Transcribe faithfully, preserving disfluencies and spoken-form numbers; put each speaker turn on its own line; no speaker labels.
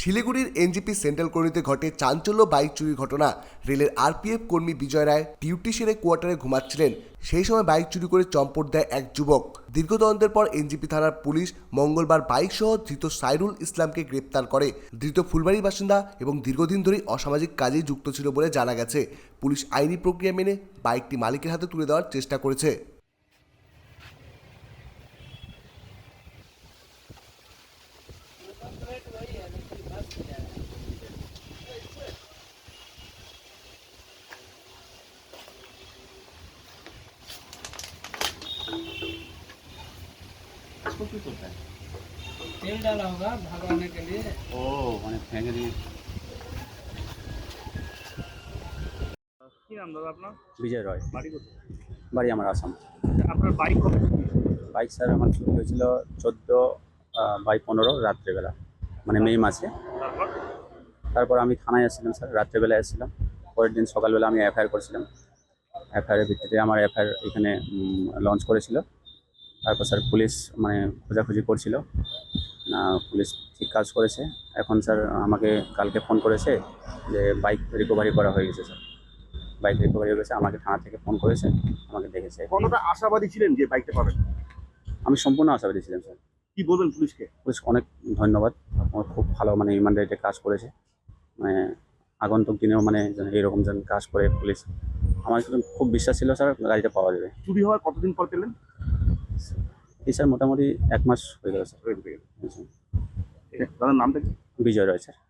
শিলিগুড়ির NJP central কলোনিতে ঘটে চাঞ্চল্য বাইক চুরির ঘটনা। রেলের আরপিএফ কর্মী বিজয় রায় ডিউটি সেরে কোয়ার্টারে ঘুমাচ্ছিলেন। সেই সময় বাইক চুরি করে চম্পট দেয় এক যুবক। দীর্ঘ তদন্তের পর এনজিপি থানার পুলিশ মঙ্গলবার বাইক সহ ধৃত সাইরুল ইসলামকে গ্রেপ্তার করে। ধৃত ফুলবাড়ির বাসিন্দা এবং দীর্ঘদিন ধরেই অসামাজিক কাজে যুক্ত ছিল বলে জানা গেছে। পুলিশ আইনি প্রক্রিয়া মেনে বাইকটি মালিকের হাতে তুলে দেওয়ার চেষ্টা করেছে।
इसको क्यों करता है?
तेल डाला होगा भगवाने के लिए।
ओ मैंने फेंक दिए।
কি নাম দাদা আপনার?
বিজয় রয়,
বাড়ি কোথায়?
বাড়ি আমার আসাম।
আপনার বাইক কবে চুরি হয়েছে?
বাইক স্যার আমার চুরি হয়েছিল চোদ্দো বাই পনেরো রাত্রেবেলা, মানে মে মাসে।
তারপর
তারপর আমি থানায় এসেছিলাম স্যার, রাত্রেবেলা এসেছিলাম। পরের দিন সকালবেলা আমি এফআইআর করেছিলাম। এফআইআরের ভিত্তিতে আমার এফআইআর এখানে লঞ্চ করেছিল। তারপর স্যার পুলিশ মানে খোঁজাখুঁজি করছিল, পুলিশ ঠিক কাজ করেছে। এখন স্যার আমাকে কালকে ফোন করেছে যে বাইক রিকভারি করা হয়ে গেছে স্যার। বাইক রিকভারি হয়ে গেছে, আমাকে থানা থেকে ফোন করেছে, আমাকে দেখেছে।
কতটা আশাবাদী ছিলেন যে বাইকটা পাবেন?
আমি সম্পূর্ণ আশাবাদী ছিলাম স্যার।
কি বলবেন পুলিশকে?
পুলিশ অনেক ধন্যবাদ, আমার খুব ভালো মানে ইমানদারিতে কাজ করেছে। মানে আগন্তুক দিনেও মানে যেন এইরকম যেন কাজ করে পুলিশ, আমার কিন্তু খুব বিশ্বাস ছিল স্যার গাড়িটা পাওয়া যাবে।
চুরি হওয়ার কতদিন পর পেলেন?
এই স্যার মোটামুটি এক মাস হয়ে গেল স্যার।
হয়ে গেল। দাদার নামটা কি?
বিজয় রয় স্যার।